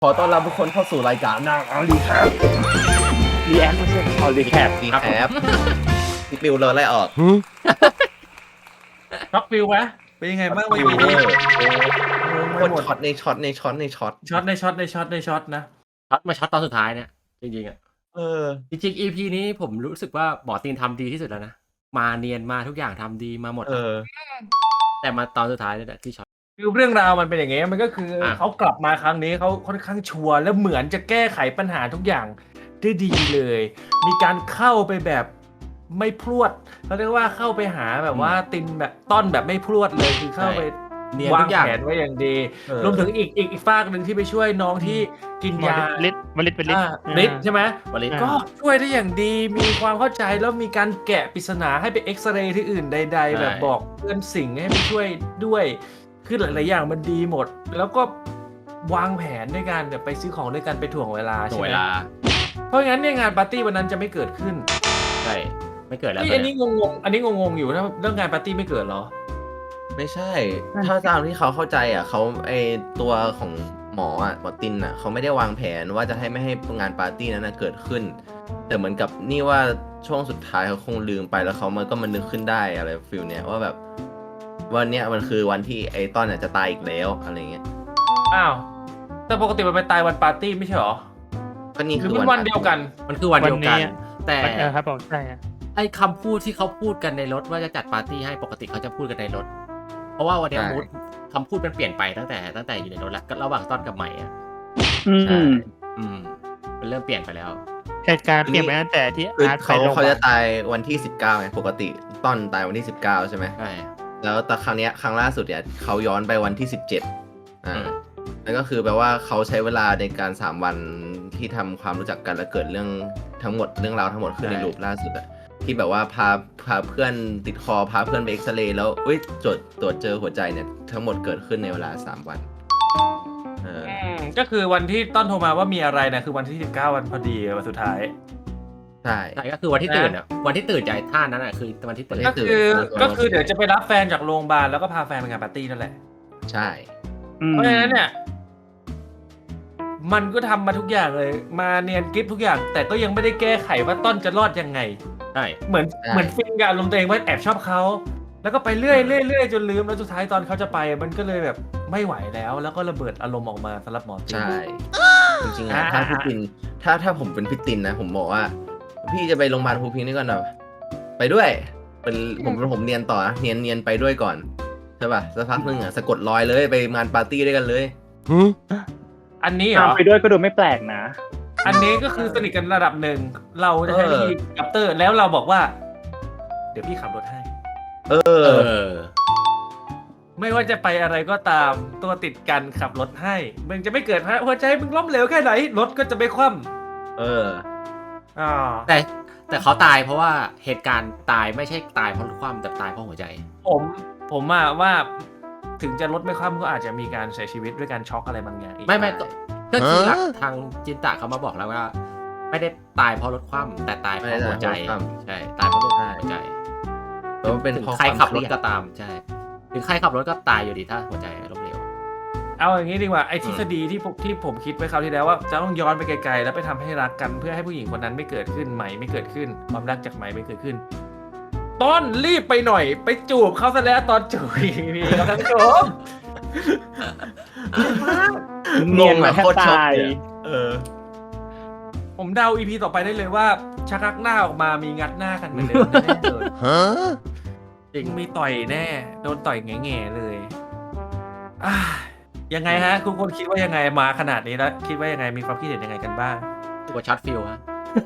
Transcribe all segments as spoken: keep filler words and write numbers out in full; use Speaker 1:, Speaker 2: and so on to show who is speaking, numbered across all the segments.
Speaker 1: ขอต้อนรับทุกคนเข้าสู่รายการนางอาลีครับ
Speaker 2: รีแอคไม่ใช่เอารีแคป
Speaker 1: ดีแคปพี่ปิวเลยไล่ออก
Speaker 3: ช็อกฟิลไหมเป็นยังไงบ้างวัน
Speaker 1: ปิว
Speaker 3: นี้
Speaker 1: เวอร์โคตรช็อตในช็อตในช็อตในช็อต
Speaker 3: ช็อตในช็อตในช็อตในช็อตนะ
Speaker 2: ช็อตมาช็อตตอนสุดท้ายเนี่ยจริงๆอ่ะ
Speaker 1: เออ
Speaker 2: จริงๆ อี พี นี้ผมรู้สึกว่าหมอตีนทำดีที่สุดแล้วนะมาเนียนมาทุกอย่างทำดีมาหมด
Speaker 1: เออ
Speaker 2: แต่มาตอนสุดท้ายนี่แหละที่ช็อต
Speaker 3: คือเรื่องราวมันเป็นอย่างเงี้ยมันก็คือ
Speaker 2: อ่ะ
Speaker 3: เขากลับมาครั้งนี้เขาค่อนข้างชัวร์และเหมือนจะแก้ไขปัญหาทุกอย่างได้ดีเลย มีการเข้าไปแบบไม่พรวดเขาเรียกว่าเข้าไปหาแบบว่าตินแบบต้อนแบบไม่พรวดเลยคือเข้าไป
Speaker 2: เนียน
Speaker 3: วา
Speaker 2: ทุ
Speaker 3: ง
Speaker 2: กอย่าง
Speaker 3: แผนไว้อย่างดี
Speaker 1: เออ
Speaker 3: รวมถึงอีกอีกอีกฝากหนึ่งที่ไปช่วยน้องที่กินยา
Speaker 4: ลิตวลิตวลิต
Speaker 3: อ่าฤทธิ์ใช่ไหม
Speaker 2: วันนี้
Speaker 3: ก็ช่วยได้อย่างดีมีความเข้าใจแล้วมีการแกะปริศนาให้ไปเอ็กซเรย์ที่อื่นใด ๆ แบบบอกเพื่อนสิ่งให้ไปช่วยด้วยคือหลายๆอย่างมันดีหมด แล้วก็วางแผนด้วยกันแบบไปซื้อของด้วยกันไปถ่วงเวลา
Speaker 2: หน่
Speaker 3: ใช่
Speaker 2: วย
Speaker 3: ไหม
Speaker 2: เวลา
Speaker 3: เพราะงั้นเนี่ยงานปาร์ตี้วันนั้นจะไม่เกิดขึ้น
Speaker 2: ใช่ไม่เกิดแล้ว
Speaker 3: นี่
Speaker 2: ตอ
Speaker 3: อั
Speaker 2: น
Speaker 3: น
Speaker 2: เนี้
Speaker 3: นี้
Speaker 2: ย
Speaker 3: งงๆอันนี้งงๆอยู่ถ้าเรื่องงานปาร์ตี้ไม่เกิดเหรอ
Speaker 1: ไม่ใช่ ถ้าตามที่เขาเข้าใจอ่ะเขาไอตัวของหมออ่ะหมอตินอ่ะเขาไม่ได้วางแผนว่าจะให้ไม่ให้งานปาร์ตี้นั้นนะเกิดขึ้น แต่เหมือนกับนี่ว่าช่วงสุดท้ายเขาคงลืมไปแล้วเขามันก็มันนึกขึ้นได้อะไรฟิลเนี้ยว่าแบบวันเนี้ยมันคือวันที่ไอตอนเนี่ยจะตายอีกแล้วอะไรเงี้ย
Speaker 3: อ้าวแต่ปกติมันไปตายวันปาร์ตี้ไม่ใช่เหรอ
Speaker 1: ก็นี่
Speaker 3: หรื
Speaker 1: คือ อ
Speaker 3: มันวันเดียวกัน
Speaker 2: มันคือวันเดียวกัน แต่
Speaker 4: เออครับผมใช่ฮะ
Speaker 2: ไอ้คำพูดที่เขาพูดกันในรถว่าจะจัดปาร์ตี้ให้ปกติเขาจะพูดกันในรถ เพราะว่าวันเนี้ยมูดคำพูดมันเปลี่ยนไปตั้งแต่ตั้งแต่อยู่ในรถแล้วก็ระหว่างต้นกับใหม่อ่ะ
Speaker 4: อืม
Speaker 2: อืมมันเริ่มเปลี่ยนไปแล้ว
Speaker 4: เหตุการณ์เปลี่ยนไปตั้งแต่ที่
Speaker 1: คือ
Speaker 4: อาร์ตไป
Speaker 1: เขา
Speaker 4: โรงพยา
Speaker 1: เขา
Speaker 4: บา
Speaker 1: จะ
Speaker 4: ล
Speaker 1: ตายวันที่สิบเก้าไงปกติตอนตายวันที่สิบเก้าใช่ไหม
Speaker 2: ใช่
Speaker 1: แล้วแต่ครั้งเนี้ยครั้งล่าสุดเนี่ยเขาย้อนไปวันที่สิบเจ็ดอ่า
Speaker 2: อืม
Speaker 1: นั่นก็คือแปลว่าเขาใช้เวลาในการสามวันที่ทำความรู้จักกันและเกิดเรื่องทั้งหมดเรื่องราวทั้งหมดขึ้นในรูปล่าสุดอะที่แบบว่าพาพาเพื่อนติดคอพาเพื่อนไปเอ็กซเรย์แล้วอุ้ยตรวจตรวจเจอหัวใจเนี่ยทั้งหมดเกิดขึ้นในเวลาสามวันเออ
Speaker 3: อืมก็คือวันที่ต้นโทรมาว่ามีอะไรนะคือวันที่สิบเก้าวันพอดีวันสุดท้าย
Speaker 1: ใช่
Speaker 2: ใช่ก็คือวันที่ตื่นอ่ะวันที่ตื่นใจท่านั้นอ่ะคือวันที่ตื่น
Speaker 3: ก็คือก็คือเดี๋ยวจะไปรับแฟนจากโรงพยาบาลแล้วก็พาแฟนไปงานปาร์ตี้นั่นแหละ
Speaker 1: ใช่
Speaker 3: เพราะฉะนั้นเนี่ย มันก็ทำมาทุกอย่างเลย มาเนียนกริฟทุกอย่าง แต่ก็ยังไม่ได้แก้ไขว่าต้นจะรอดยังไง
Speaker 2: ใช่
Speaker 3: เหมือนเหมือนฟินกับอารมณ์ตัวเองว่าแอบชอบเขาแล้วก็ไปเรื่อยเรื่อยเรื่อยจนลืมแล้วสุดท้ายตอนเขาจะไป มันก็เลยแบบไม่ไหวแล้ว แล้วก็ระเบิดอารมณ์ออกมาสำหรับหมอติน
Speaker 1: ใช่จริงๆอะ
Speaker 3: อ่า
Speaker 1: ถ้าพี่ตินถ้าถ้าผมเป็นพี่ตินนะผมบอกว่า พี่จะไปโรงพยาบาลภูพิงค์นี่ก่อนหน่อยไปด้วย เป็นผมผมเนียนต่อนะเนียนเนียนไปด้วยก่อนใช่ป่ะสักพักหนึงอ่ะสะกดรอยเลยไปงานปาร์ตี้ด้วยกันเลย
Speaker 3: อันนี้เหร
Speaker 4: ตาม
Speaker 3: อ
Speaker 4: ไปด้วยก็ดูไม่แปลกนะ
Speaker 3: อันนี้ก็คือสนิทกันระดับหนึ่ง เราจะใช้วิธีกัปเตอร์ แล้วเราบอกว่า เดี๋ยวพี่ขับรถให้
Speaker 1: เอ
Speaker 2: เอ
Speaker 1: อ
Speaker 2: อ
Speaker 3: ไม่ว่าจะไปอะไรก็ตามตัวติดกันขับรถให้ มึงจะไม่เกิดฮะหัวใจมึงล้มเหลวแค่ไหน รถก็จะไม่คว่
Speaker 1: เออ
Speaker 3: ำอ่า
Speaker 2: แต่แต่เขาตายเพราะว่าเหตุการณ์ตายไม่ใช่ตายเพราะรถคว่ำแต่ตายเพราะหัวใจ
Speaker 3: ผมผมอะว่าถึงจะรถไม่คว่ำก็อาจจะมีการเสียชีวิตด้วยการช็อกอะไรบางอย่างอีก
Speaker 2: ไม่ไม่ก็ก็คือหลักทางจินตะเขามาบอกแล้วว่า ไม่ได้ตายเพราะรถคว่ำแต่ตายเพราะหัวใจ
Speaker 1: ไม่ได้ตายเพราะรถคว่ำ
Speaker 2: ใช่ตายเพราะรถหัวใจ
Speaker 1: แล้วมันเป็น
Speaker 2: ถึง
Speaker 1: เพราะ
Speaker 2: ใครขับรถ
Speaker 1: วามเยด
Speaker 2: ก็ตามใช่ถึงใครขับรถก็ตายอยู่ดีถ้าหัวใจล้มเหลว
Speaker 3: เอาอย่างนี้ดีกว่าไอ้ทฤษฎีที่ผมที่ผมคิดไว้คราวที่แล้วว่าจะต้องย้อนไปไกลๆแล้วไปทำให้รักกันเพื่อให้ผู้หญิงคนนั้นไม่เกิดขึ้นใหม่ไม่เกิดขึ้นความรักจากใหม่ไม่เกิดขึ้น ต้นรีบไปหน่อย ไปจูบเขาซะแล้วตอนจูบพี่ครับท่านผู้ชม
Speaker 4: เนียนมาแทบ
Speaker 1: โคตรช็อก
Speaker 4: ตาย
Speaker 1: เลยอะเออ
Speaker 3: ผมเดาอีพีต่อไปได้เลยว่าชักรักหน้าออกมามีงัดหน้ากันเหมือนเดิมแน่เลย
Speaker 2: จริง
Speaker 3: มีต่อยแน่ โดนต่อยแง่ๆเลยอ่ะยังไงฮะคุณคนคิดว่ายังไงมาขนาดนี้แล้วคิดว่ายังไงมีความคิดเห็นยังไงกันบ้าง
Speaker 2: ตัวช็อตฟิลฮะ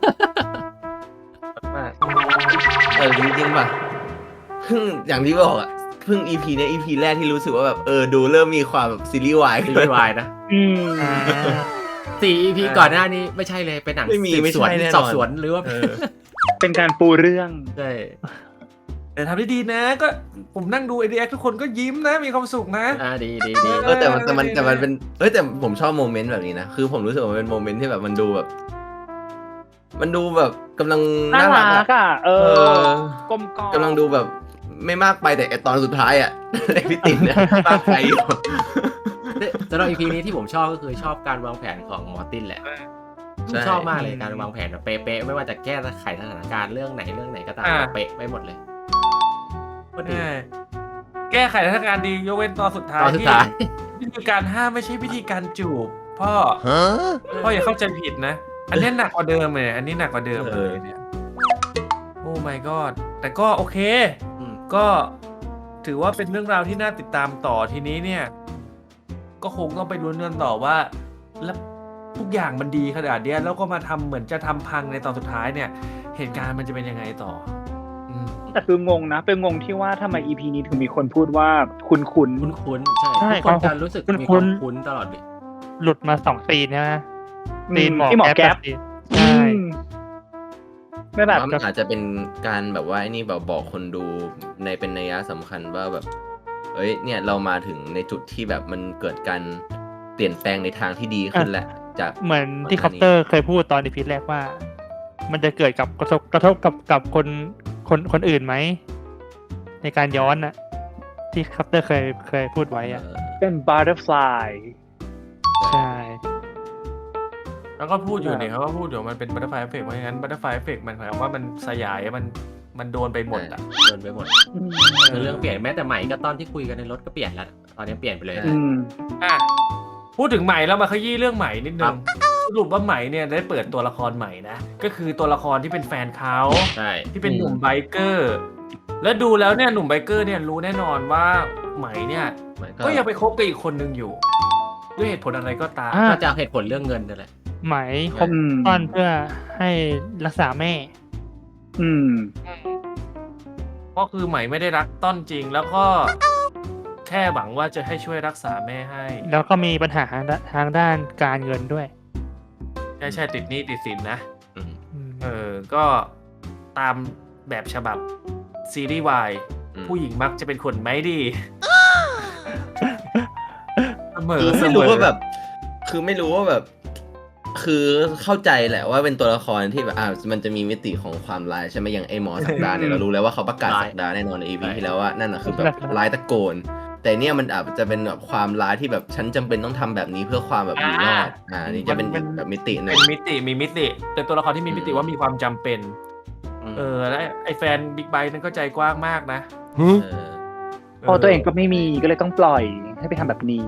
Speaker 1: มากเออจริงๆป่ะเพิ่งอย่างที่บอกอ่ะเพิ่ง อี พี เนี้ย อี พี แรกที่รู้สึกว่าแบบเออดูเริ่มมีความแบบซีรีส์วาย
Speaker 2: ซี
Speaker 1: ขึ้น
Speaker 2: รีส์วายนะ
Speaker 4: อืม
Speaker 2: สี่ อี พี ก่อนหน้านี้ไม่ใช่เลยเป็นหนัง
Speaker 1: ไม่มี
Speaker 2: สืบ
Speaker 1: ไม่
Speaker 2: สวน
Speaker 1: ใช่แน่นอน
Speaker 2: สอบสวนหรือว่า
Speaker 1: เออ
Speaker 4: เป็นการปูเรื่อง
Speaker 2: ใช่
Speaker 3: แต่ทำได้ดีนะก็ผมนั่งดูไอเดียทุกคนก็ยิ้มนะมีความสุขนะ
Speaker 2: อ่าดีดีดี
Speaker 1: เออแต่มันแต่มันแต่มันเป็นเอ้ยแต่ผมชอบโมเมนต์แบบนี้นะคือผมรู้สึกว่ามันเป็นโมเมนต์ที่แบบมันดูแบบ มันดูแบบกำลัง
Speaker 4: น่า
Speaker 1: น่ารัก
Speaker 4: รัก
Speaker 1: อะ
Speaker 4: อ่ะ เอ
Speaker 1: เอ
Speaker 4: อ
Speaker 1: อ
Speaker 4: กลมกล่อม
Speaker 1: กำลังดูแบบไม่มากไปแต่ไอ้ตอนสุดท้ายอ่ะ ไอ้พี่ตินเนี่ยมากไปอยู่
Speaker 2: สำหรับ อี พี นี้ที่ผมชอบก็คือชอบการวางแผนของมอร์ตินแหละ
Speaker 1: ใช่
Speaker 2: ชอบมากเลยการวางแผนแบบเป๊ะๆไม่ว่าจะแก้ไขสถานการณ์เรื่องไหนเรื่องไหนก็ตาม
Speaker 3: อ่า
Speaker 2: เป๊ะไปหมดเลยก็ดี
Speaker 3: ใช่แก้ไขสถานการณ์ดียกเว้นตอนสุดท้าย
Speaker 2: ตอนสุด
Speaker 3: ที่
Speaker 2: ท้าย
Speaker 3: วิธีการห้ามไม่ใช่วิธีการจูบพ่อพ่ออย่าเข้าใจผิดนะ อันนี้หนักกว่าเดิมเลยอันนี้หนักกว่าเดิมเลยเนี่ยโอ้ my god แต่ก็โอเค
Speaker 2: อืม
Speaker 3: ก็ถือว่าเป็นเรื่องราวที่น่าติดตามต่อทีนี้เนี่ย ก็คงต้องไปลุ้นกันต่อว่าแล้วทุกอย่างมันดีขนาดเนี้ยแล้วก็มาทำเหมือนจะทำพังในตอนสุดท้ายเนี่ย เหตุการณ์มันจะเป็นยังไงต่อ อืม
Speaker 4: แต่คืองงนะ เป็นงงที่ว่าทำไม อี พี นี้ถึงมีคนพูดว่าคุณคุณ
Speaker 2: คุ้นๆใช่
Speaker 4: ใช่
Speaker 2: ทุกคนจะรู้สึก
Speaker 4: คุ้นๆ
Speaker 2: มีความคุ้นตลอดเลย
Speaker 5: หลุดมาสองซีนใช่ไหมซีนหมอ
Speaker 4: ที่หมอแก๊ป
Speaker 5: ซีน
Speaker 4: อื
Speaker 5: ใช่
Speaker 4: มไม่แบบ
Speaker 1: ว่ามันอาจจะเป็นการแบบว่าไอ้นี่แบบบอกคนดูในเป็นนัยสำคัญว่าแบบ เอ้ยเนี่ยเรามาถึงในจุดที่แบบมันเกิดการเปลี่ยนแปลงในทางที่ดีขึ้นแหละจาก
Speaker 5: เหมือนที่
Speaker 1: ก่
Speaker 5: ค
Speaker 1: อ
Speaker 5: อน ป
Speaker 1: หน้านี้
Speaker 5: เตอร์เคยพูดตอนอีพีแรกว่า มันจะเกิดกับกระทบกระทบกับกับคนคนคนอื่นไหม ในการย้อนอะที่คอปเตอร์เคยเคยพูดไว้อะ
Speaker 1: เออ
Speaker 4: เป็น butterfly
Speaker 5: ใช่
Speaker 3: แล้วก็พูดอยู่เนี่ยเขาก็พูดอยู่มันเป็นบัตเตอร์ไฟเอฟเฟกต์เพราะงั้นบัตเตอร์ไฟเอฟเฟกต์มันหมายความว่ามันสยายมันมันโดนไปหมดอ่ะ
Speaker 2: เดินไปหมดคือเรื่องเปลี่ยนแม้แต่ใหม่ก็ตอนที่คุยกันในรถก็เปลี่ยนแล้วตอนนี้เปลี่ยนไปเลย
Speaker 4: อืม
Speaker 3: อ่ะพูดถึงใหม่แล้วมาขยี้เรื่องใหม่นิดนึ
Speaker 2: ครั
Speaker 3: ง
Speaker 2: บ
Speaker 3: สรุปว่าใหม่เนี่ยได้เปิดตัวละครใหม่นะก็คือตัวละครที่เป็นแฟนเขา
Speaker 2: ใช่
Speaker 3: ที่เป็นหนุ่มไบเกอร์ แล้วดูแล้วเนี่ยหนุ่มไบเกอร์เนี่ยรู้แน่นอนว่าใหม่เนี่ย
Speaker 1: มัน
Speaker 3: ก็ยังไปคบกับอีกคนนึงอยู่ ด้วยเหตุผลอะไรก็ตาม
Speaker 5: อ่ะ
Speaker 2: ก็จะเหตุผลเรื่องเงินนั่นแหละ
Speaker 5: ไหมคบ
Speaker 4: อืม
Speaker 5: ต้อนเพื่อให้รักษาแม่
Speaker 4: อืม
Speaker 3: ก็คือใหม่ไม่ได้รักต้นจริง แล้วก็แค่หวังว่าจะให้ช่วยรักษาแม่ให้
Speaker 5: แล้วก็มีปัญหาทางด้านการเงินด้วย
Speaker 3: ใช่ใช่ติดหนี้ติดสินนะ
Speaker 1: อืม
Speaker 5: อืม
Speaker 3: เออ ก็ตามแบบฉบับซีรีส์วาย
Speaker 1: อืม
Speaker 3: ผู้หญิงมักจะเป็นคนไม่ดี เสมอ
Speaker 1: คือ
Speaker 3: เส
Speaker 1: ไม่
Speaker 3: ม
Speaker 1: รู้
Speaker 3: อ
Speaker 1: ว่าแบบ คือไม่รู้ว่าแบบ คือเข้าใจแหละว่าเป็นตัวละครที่แบบอ่ามันจะมีมิติของความร้ายใช่ไหมอย่างไอหมอสักดาเนี่ยเรารู้แล้วว่าเขาประกาศ
Speaker 2: ร้าย
Speaker 1: สักดาแน่นอนในอีพีที่แล้วว่านั่นน่ะคือแบบร้ายตะโกน แต่เนี่ยมันอาจจะเป็นแบบความร้ายที่แบบฉันจำเป็นต้องทำแบบนี้เพื่อความแบบอยู่รอดอ่านี่จะเป็นอีกแบบมิติหนึ่
Speaker 3: เป็
Speaker 1: ง
Speaker 3: นมิติมีมิติเป็นตัวละครที่มีมิติ
Speaker 1: อืม
Speaker 3: ว่ามีความจำเป็น เออแล้วไอแฟนบิ๊กไบค์นั่นก็ใจกว้างมากนะ
Speaker 1: เออ
Speaker 4: พอตัวเองก็ไม่มีก็เลยต้องปล่อยให้ไปทำแบบนี้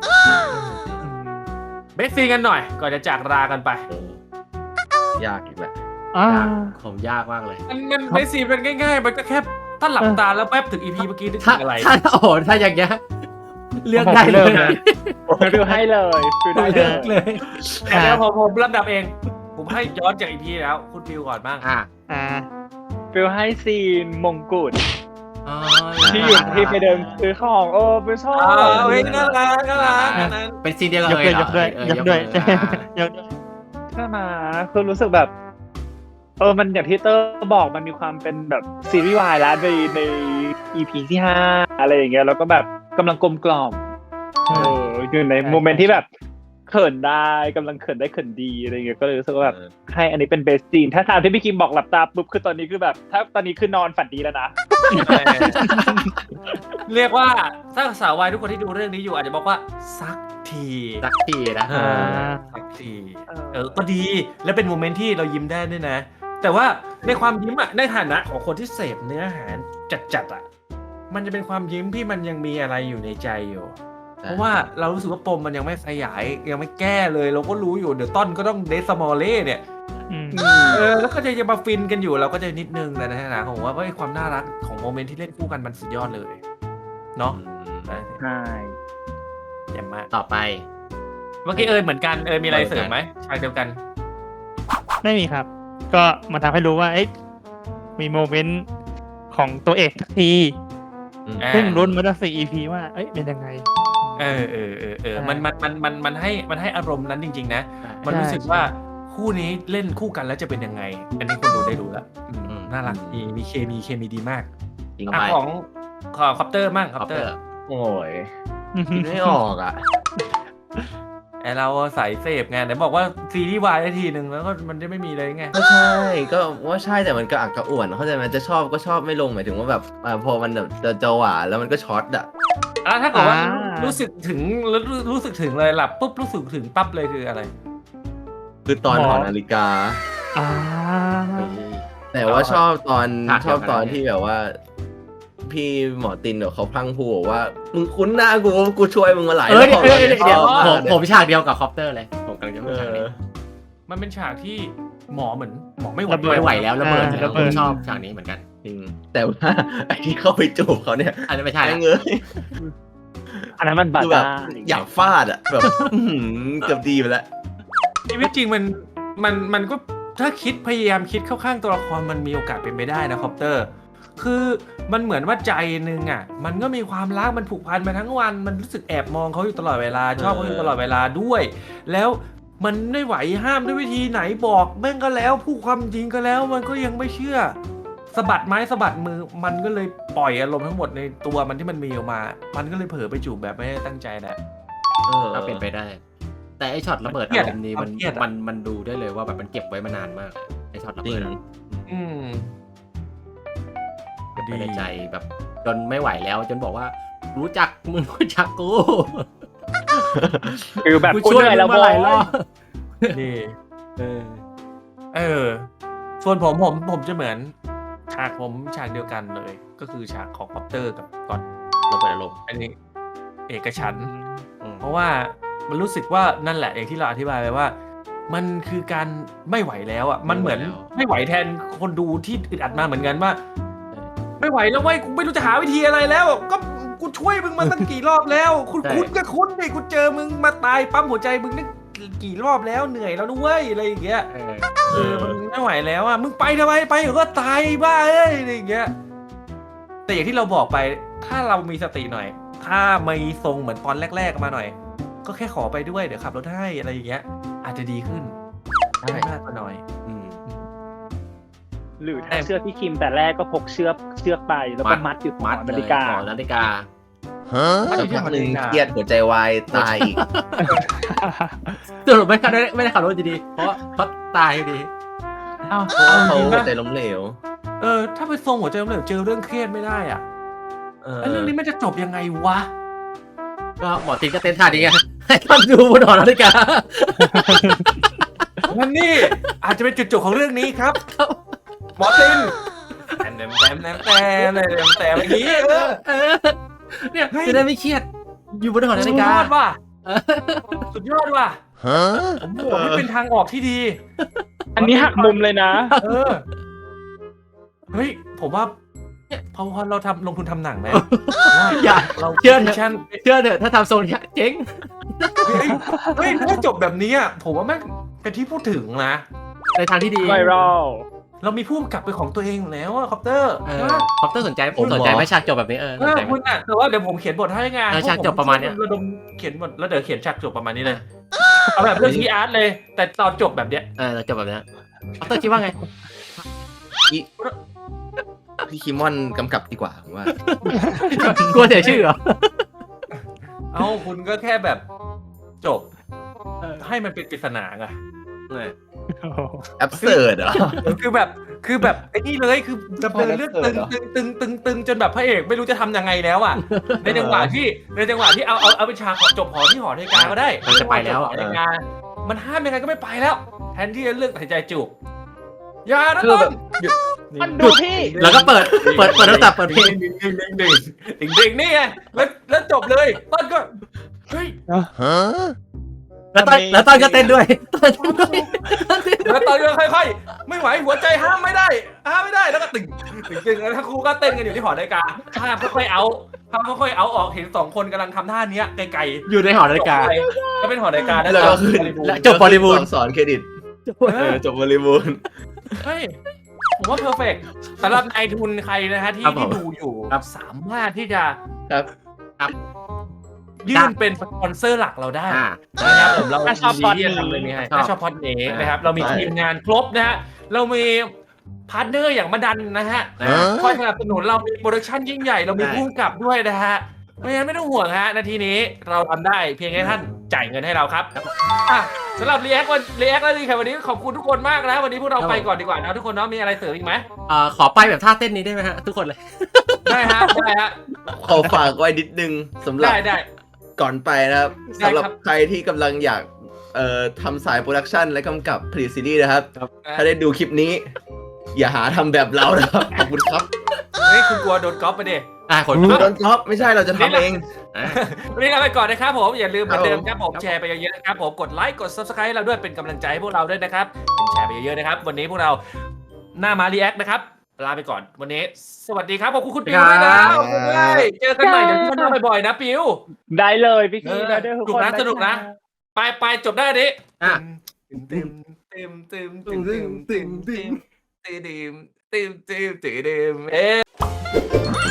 Speaker 3: เบสซีกันหน่อย ก่อนจะจากรากันไป
Speaker 1: โอ้ยากอีกแหละ
Speaker 5: อ่าย
Speaker 2: ากผมยากมากเลย
Speaker 3: มันมันเบสซีเป็นง่ายๆ มันก็แค่ถ้าหลับตาแล้วแป๊บถึงอีพีเมื่อกี้นึก
Speaker 2: ถ้า
Speaker 3: ถึงอะไร
Speaker 2: ถ้าโอ้โหถ้าอย่างเงี้ยเลือกได้
Speaker 5: ผม
Speaker 2: เล
Speaker 5: เริ่
Speaker 2: ย
Speaker 5: มเลย
Speaker 4: ฟิลให้เลยฟิลได้เล
Speaker 2: เลือก
Speaker 4: ย
Speaker 2: เลย
Speaker 3: แต่เดี๋ยวผมผมลำดับเอง ผมให้ย้อนจากอีพีแล้ว คุณฟิวก่อนบ้าง
Speaker 2: อ่ะ
Speaker 5: อ่า
Speaker 4: ฟิลให้ซีนมงกุฎ
Speaker 2: อ๋อ
Speaker 4: ที่อยู่ที่ไปเดินซื้อของโอ้เป็นชอบ
Speaker 3: อ่าเฮ้ยน่ารักน่ารักอันนั้น
Speaker 2: เป็นซีนเดียวกัน
Speaker 5: ยก
Speaker 2: เลย
Speaker 5: ด้วย
Speaker 2: เหรอย
Speaker 5: กด้วย
Speaker 2: เออย
Speaker 5: กด้วย
Speaker 2: มืออ่ะ
Speaker 5: ยกด้วย
Speaker 4: ใช่ไหมคือรู้สึกแบบ เออมันอย่างที่เตอร์บอกมันมีความเป็นแบบซีรีส์วายแล้วในใน อี พี ที่ห้าอะไรอย่างเงี้ยแล้วก็แบบกำลังกลมกล่อมเอออยู่ในโมเมนต์ที่แบบเขินได้กำลังเขินได้เขินดีอะไรอย่างเงี้ยก็เลยรู้สึกว่าแบบ
Speaker 1: เออ
Speaker 4: ให้อันนี้เป็นเบสซีนถ้าตามที่พี่คิมบอกหลับตาปุ๊บคือตอนนี้คือแบบ ถ้าตอนนี้คือนอนฝันดีแล้วนะ
Speaker 3: เรียกว่าถ้าสาววายทุกคนที่ดูเรื่องนี้อยู่อาจจะบอกว่าสักที
Speaker 2: สักทีนะ
Speaker 3: เอ
Speaker 5: อ่า
Speaker 3: อสักทีเออก็ดีและเป็นโมเมนต์ที่เรายิ้มได้ด้วยนะ แต่ว่าในความยิ้มอะในฐานะของคนที่เสพเนื้อหาจัดๆอะมันจะเป็นความยิ้มที่มันยังมีอะไรอยู่ในใจอยู่ เพราะว่าเรารู้สึกว่าปมมันยังไม่ขยายยังไม่แก้เลย เราก็รู้อยู่เดี๋ยวต้นก็ต้องเดสมอลเล่เนี่ย
Speaker 5: อืม
Speaker 3: เออแล้วก็จะยังมาฟินกันอยู่เราก็จะนิดนึงแต่ในฐานะของว่าก็ไอ้ความน่ารักของโมเมนต์ที่เล่นคู่กันมันสุดยอดเลยเนาะ
Speaker 1: อืม
Speaker 4: ใช่
Speaker 3: เยี่ยมมาก
Speaker 2: ต่อไป
Speaker 3: เมื่อกี้เออเหมือนกันเออมีอะไรเสริมไหมฉากเดียวกัน
Speaker 5: ไม่มีครับ ก็มาทำให้รู้ว่าเอ๊ะมีโมเมนต์ของตัวเอกสักที
Speaker 1: อืม
Speaker 3: อ่า
Speaker 5: ซึ่งรุ้นมาตั้งสี่ อี พี ว่าเอ้ยเป็นยังไง
Speaker 3: เออเออเออเออมันมันมันมันมันให้มันให้อารมณ์นั้นจริงๆนะ มัน
Speaker 5: ใช่
Speaker 3: รู้สึกว่าคู่นี้เล่นคู่กันแล้วจะเป็นยังไง อันนี้คนดูได้รู้แล้วอืม
Speaker 2: อืม
Speaker 3: น่ารักมีมีเคมีเคมีดีมาก
Speaker 1: จริง
Speaker 3: อ่ะ
Speaker 1: ไป
Speaker 3: ของของคอปเตอร์มั่งค
Speaker 2: ค
Speaker 3: อ
Speaker 2: อ
Speaker 3: ป
Speaker 2: ป
Speaker 3: เต
Speaker 2: เต
Speaker 3: อ
Speaker 2: อ
Speaker 3: ร์
Speaker 2: ร์
Speaker 1: โอ้ยคิดไม่ออกอ่ะ
Speaker 3: ไอเราสายเสพไงไหนบอกว่าซีรีส์วายได้ทีหนึ่งแล้วก็มันจะไม่มีเลยไง
Speaker 1: ก็ใช่ก็ว่าใช่แต่มันก็อักกระอ่วนเข้าใจไหมจะชอบก็ชอบไม่ลงหมายถึงว่าแบบอ่าพอมันแบบจะจะหวานแล้วมันก็ช็อตอ่ะ
Speaker 3: แล้วถ้าเกิดว่า
Speaker 5: อ่ารู้
Speaker 3: รู้สึกถึงแล้วรู้สึกถึงเลยหลับปุ๊บรู้สึกถึงปั๊บเลยคืออะไร
Speaker 1: คือตอน
Speaker 5: หมอ
Speaker 1: หอนาฬิกา
Speaker 5: อ่า
Speaker 1: แต่ว่าชอบตอน
Speaker 2: ฉาก
Speaker 1: ชอบตอน
Speaker 2: เดียวกัน
Speaker 1: ที่แบบว่า พี่หมอตินเดี๋ยวเขาพลังพูดบอกว่ามึงคุ้นหน้ากูกูช่วยมึงมาหลาย
Speaker 2: เออ
Speaker 1: รอบ
Speaker 2: เดี๋ยวเดี๋ยวเดี๋ยว
Speaker 1: ชอบ
Speaker 2: ผม
Speaker 1: าก
Speaker 2: ผมฉากเดียวกับคอปเตอร์เลยผมกำลังจะพูด
Speaker 1: เอ
Speaker 2: ฉากนี้
Speaker 1: อ
Speaker 3: มันเป็นฉากที่หมอเหมือนหมอไม่ไหว
Speaker 5: ระเบิด
Speaker 2: ไม่ไหวแล้วระเบิด
Speaker 5: อ่า
Speaker 2: แล้ว
Speaker 5: ระ
Speaker 2: ผ
Speaker 5: เบิ
Speaker 2: ม
Speaker 5: ด
Speaker 2: ชอบฉากนี้เหมือนกัน
Speaker 1: จริงแต่ว่า ไอ้ที่เข้าไปจูบเขาเนี่ย
Speaker 2: อันนี้ไม่ใช่
Speaker 1: ไอ้
Speaker 2: ละ
Speaker 1: เงย
Speaker 4: อันนั้นมันบา
Speaker 1: คือแบบ
Speaker 4: ดา
Speaker 1: อยากฟาดอ่ะแบบอื้อหือเกือบดีไปแล้ว
Speaker 3: ชีวิตจริงมันมันมันก็ถ้าคิดพยายามคิดเข้าข้างตัวละครมันมีโอกาสเป็นไปได้นะคอปเตอร์ คือมันเหมือนว่าใจนึงอ่ะ มันก็มีความรักมันผูกพันมาทั้งวันมันรู้สึกแอบมองเขาอยู่ตลอดเวลาชอบเขาอยู่ตลอดเวลาด้วย แล้วมันไม่ไหวห้ามด้วยวิธีไหนบอกแม่งก็แล้วพูดความจริงก็แล้วมันก็ยังไม่เชื่อสะบัดไม้สะบัดมือมันก็เลยปล่อยอารมณ์ทั้งหมดในตัวมันที่มันมีออกมา มันก็เลยเผลอไปจูบแบบไม่ได้ตั้งใจแหละ
Speaker 1: เออ
Speaker 2: ก็เป็นไปได้ แต่ไอช็อตระเบิด
Speaker 3: เครี
Speaker 2: อาย
Speaker 3: ด
Speaker 2: ร
Speaker 3: อะ
Speaker 2: มณ์นี้มัน
Speaker 3: เครียดอะ
Speaker 2: มันมันดูได้เลยว่าแบบมันเก็บไว้มานานมากไอช็อตระ
Speaker 1: จริ
Speaker 2: เบิ
Speaker 1: ง
Speaker 2: ดอะ
Speaker 3: อืม
Speaker 2: เก็บไว้ในใจแบบจนไม่ไหวแล้ว จนบอกว่า รู้จักมึงรู้จักกู
Speaker 4: คือแบบ
Speaker 2: กู
Speaker 4: กู
Speaker 2: ช่วย
Speaker 4: เหนื่อย
Speaker 2: มึ
Speaker 4: แล้ว
Speaker 2: งมาหลายรอบ
Speaker 3: นี่
Speaker 2: เออ
Speaker 3: เออ ส่วนผมผมผมจะเหมือนฉากผมฉากเดียวกันเลย ก็คือฉากของคอปเตอร์กับก่อน
Speaker 2: ระเบิดอารมณ์
Speaker 3: อันนี้เอกฉันท์
Speaker 2: อืม
Speaker 3: เพราะว่ามันรู้สึกว่านั่นแหละอย่างที่เราอธิบายไปว่า มันคือการไม่ไหวแล้วอ่ะมันเหมือนไม่ไหวแทนคนดูที่อึดอัดมาเหมือนกันว่า ไม่ไหวแล้วเว้ยกูไม่รู้จะหาวิธีอะไรแล้ว ก็กูช่วยมึงมาตั้งกี่รอบแล้ว คุณคุ้นก็คุ้นดิกูเจอมึงมาตายปั๊มหัวใจมึงนั่งกี่รอบแล้วเหนื่อยแล้วด้วยอะไรอย่างเงี้ย
Speaker 2: เออ
Speaker 3: เออมันไม่ไหวแล้วอ่ะมึงไปทำไมไปเดี๋ยวก็ตายบ้าเอ้ยอะไรอย่างเงี้ยแต่อย่างที่เราบอกไปถ้าเรามีสติหน่อย ถ้ามีทรงเหมือนตอนแรก ๆมาหน่อย ก็แค่ขอไปด้วยเดี๋ยวขับรถให้อะไรอย่างเงี้ย อาจจะดีขึ้น
Speaker 1: ใช่
Speaker 3: ไม่มากก็น้อย
Speaker 2: อืม
Speaker 4: หรือถ้าเชือกที่คิมแต่แรกก็พกเชือกเชือกไปแล้วก็มัดอยู่ห
Speaker 2: มั
Speaker 4: อ
Speaker 2: ด
Speaker 4: นา
Speaker 2: เล
Speaker 4: ฬิ
Speaker 2: ย
Speaker 4: กา
Speaker 2: หอนาฬิกา
Speaker 1: สักพักหนึ่งเครียดหัวใจวายตายอีก
Speaker 2: สรุปไม่ได้ไม่ได้ขับรถดีๆเพราะเขาตายอยู่ดี
Speaker 3: เอา
Speaker 1: เพราะว่า
Speaker 3: เอา
Speaker 1: เขา
Speaker 3: จริง
Speaker 1: หัว
Speaker 3: ปะ
Speaker 1: ใจล้มเหลว
Speaker 3: เออถ้าไปทรงหัวใจล้มเหลวเจอเรื่องเครียดไม่ได้อ่ะ
Speaker 1: เออ
Speaker 3: ไอ้เรื่องนี้มันจะจบยังไงวะ
Speaker 2: ก็หมอตินก็เต้นท่านี้ไงให้ท่านดูบนหอนาฬิกา
Speaker 3: นั่นนี่อาจจะเป็นจุดจบของเรื่องนี้ครับหมอตินแต้มแต้มแต้มแต้มแต้มแต้มแต้มอย่างนี้เออ
Speaker 2: เออเนี่ยจะได้ไม่เครียด อยู่บนหอนา
Speaker 3: สุ
Speaker 2: ฬิ
Speaker 3: ดย
Speaker 2: กา
Speaker 3: อดว่ะสุดยอดว่ะผมบอกนี่เป็นทางออกที่ดี
Speaker 4: อันนี้หักมุมเลยนะ
Speaker 3: เออ เฮ้ย ผมว่าเนี่ยพอพอเราทำลงทุนทำหนังไหม
Speaker 2: อย่า
Speaker 3: เรา
Speaker 2: เชื่อเถ
Speaker 3: มิ
Speaker 2: อะ
Speaker 3: ชั่น
Speaker 2: เชื่อเถอะถ้าทำโซนเนี้ยเจ๊ง
Speaker 3: เฮ้ยเฮ้ยถ้าจบแบบนี้อ่ะผมว่าแม่งเป็นที่พูดถึงนะ
Speaker 2: ในทางที่ดี
Speaker 4: ไวรัล
Speaker 3: เรามีผู้กำกับเป็นของตัวเองอยู่แล้วอะคอปเตอร์
Speaker 2: เออคอปเตอร์สนใจผมสนใจไหมฉากจบแบบนี้เออ
Speaker 3: เอ
Speaker 2: สน
Speaker 3: อ
Speaker 2: ใจไหม
Speaker 3: คุณอ่ะแต่ว่าเดี๋ยวผมเขียนบทให้ไง
Speaker 2: เออฉากจบประมาณเนี้ย
Speaker 3: ระดมเขียนบทแล้วเดี๋ยวเขียนฉากจบประมาณนี้เลย เอาแบบเรื่องทีอาร์ตเลย แต่ตอนจบแบบเนี้ย
Speaker 2: เออจบแบบนี้คอปเตอร์คิดว่าไง
Speaker 1: พี่พี่คิมอนกำกับดีกว่าผมว่า
Speaker 2: กลัวเสียชื่อเหรอ
Speaker 3: เอ้าคุณก็แค่แบบจบ
Speaker 2: เออ
Speaker 3: ให้มันเป็นปริศนาไง
Speaker 1: แอบเสิร์ดเหรอ
Speaker 3: คือแบบคือแบบไอ้นี่เลยคือดำเนินเรื่องตึง
Speaker 1: เหรอ
Speaker 3: ตึงตึงตึงตึงจนแบบพระเอกไม่รู้จะทำยังไงแล้วอ่ะ ในจังหวะที่ในจังหวะที่เอาเอาเอาเป็นฉากจบหอที่หอนาฬิกาก็ได้
Speaker 2: มันจะไปแล้ว
Speaker 3: หอนาฬิกามันห้ามยังไงก็ไม่ไปแล้ว แทนที่จะเลือกตัดสินใจจูบอย่านะ
Speaker 1: คือ
Speaker 3: ต้
Speaker 1: แบ
Speaker 3: น
Speaker 1: บหยุด
Speaker 4: มันดูพี่
Speaker 2: แล้วก็เปิดเปิดเปิดโทรศัพท์เปิดเพลง
Speaker 3: ดิ่งดิ่งดิ่งดิ่งดิ่งดิ่งนี่ไงแล้วแล้วจบเลยต้นก็เฮ้ย
Speaker 2: แล้วตอนแล้วตอนก็เต้นด้วยตอนเต้นด้วย
Speaker 3: แล้วตอนก็ค่อยๆไม่ไหวหัวใจห้ามไม่ได้ห้ามไม่ได้แล้วก็ตึงตึงตึงแล้วทั้งคู่ก็เต้นกันอยู่ที่หอนาฬิกาภาพค่อยๆเอาภาพค่อยๆเอาออกเห็นสองคนกำลังทำท่านี้ไกล
Speaker 2: อยู่ในหอนาฬิกา
Speaker 3: ๆก็เป็นหอนาฬิกา
Speaker 1: แล้วก็ขึ้น
Speaker 2: และจบบริบูรณ์
Speaker 1: สอนเครดิตเออจบบริบูรณ์
Speaker 3: เฮ้ยผมว่าเพอร์เฟกต์สำหรับนายทุนใครนะฮะที่
Speaker 2: ครับผม
Speaker 3: ที่ดูอยู่
Speaker 2: ครับ
Speaker 3: สามารถที่จะ
Speaker 1: ครับ
Speaker 3: ยื่นเป็นสปอนเซอร์หลักเราได้
Speaker 2: อ่า
Speaker 3: นะครับผมเรา
Speaker 4: ถ้าชอบ
Speaker 3: ยินดีที่จะทำเรื่องนี้ให้
Speaker 2: ชอบ
Speaker 3: ถ้าชอบพอดเนกนะครับเรามี
Speaker 1: ใช่
Speaker 3: ทีมงานครบนะฮะเรามีพาร์ทเนอร์อย่างมาดันนะฮะ
Speaker 2: นะ
Speaker 3: คอยสนับสนุนเรามีโปรดักชั่นยิ่งใหญ่เรามี
Speaker 2: ใช่
Speaker 3: ผู้กำกับด้วยนะฮะเพราะฉะนั้นไม่ต้องห่วงฮะนาทีนี้เราทำได้เพียงแค่ท่านจ่ายเงินให้เราครับอ่ะสำหรับรีแอควันรีแอคแล้วดีค่ะวันนี้ขอบคุณทุกคนมากนะวันนี้พวกเราไปก่อนดีกว่านะทุกคนเนาะมีอะไรเสริมอีกไหม
Speaker 2: อ่าขอไปแบบท่าเต้นนี้ได้ไหมฮะทุกคนเลย
Speaker 3: ได้ฮะได้ฮะ
Speaker 1: ขอฝากไว้นิดนึงสำหรับ
Speaker 3: ได้ได้
Speaker 1: ก่อนไปนะครับ
Speaker 3: ได้ครับ
Speaker 1: สำหรับใครที่กำลังอยากเอ่อทำสายโปรดักชันและกำกับผลิตซีรีส์นะครับ ถ้าได้ดูคลิปนี้ อย่าหาทำแบบเรานะครับ ขอบคุณครับ
Speaker 3: เฮ้ยคุณกลัวโดนก๊อปไปดิ
Speaker 2: อ่าคน
Speaker 1: โดนท็อปไม่ใช่เราจะทำเอง
Speaker 2: อ่ะ
Speaker 3: วันนี้ลาไปก่อนนะครับผมอย่าลืมเหมือนเดิม
Speaker 1: ครับ
Speaker 3: ครับผมแชร์ไปเยอะๆนะครับผมกดไลค์กด ซับสไครบ์ ให้เราด้วยเป็นกำลังใจให้พวกเราด้วยนะครับแชร์ไปเยอะๆนะครับวันนี้พวกเราหน้ามารีแอคนะครับลาไปก่อนวันนี้ สวัสดีครับขอบคุณคุณปิวด้วยนะขอบคุณด้วยเจอกันใหม่เดี๋ยวพี่มาบ่อยๆนะปิว
Speaker 4: ได้เลยพี่
Speaker 3: เอ
Speaker 4: คี
Speaker 3: อ
Speaker 4: ได้ด้วยทุก
Speaker 3: สนุ
Speaker 4: ค
Speaker 3: ก
Speaker 4: น
Speaker 3: นะสนุกนะ ไปไปจบได้อันนี้
Speaker 2: อ่ะ
Speaker 3: ตึมตึมตึมตึมตึมตึมตึมตึมตึมตึมตึมตึมตึมเอ๊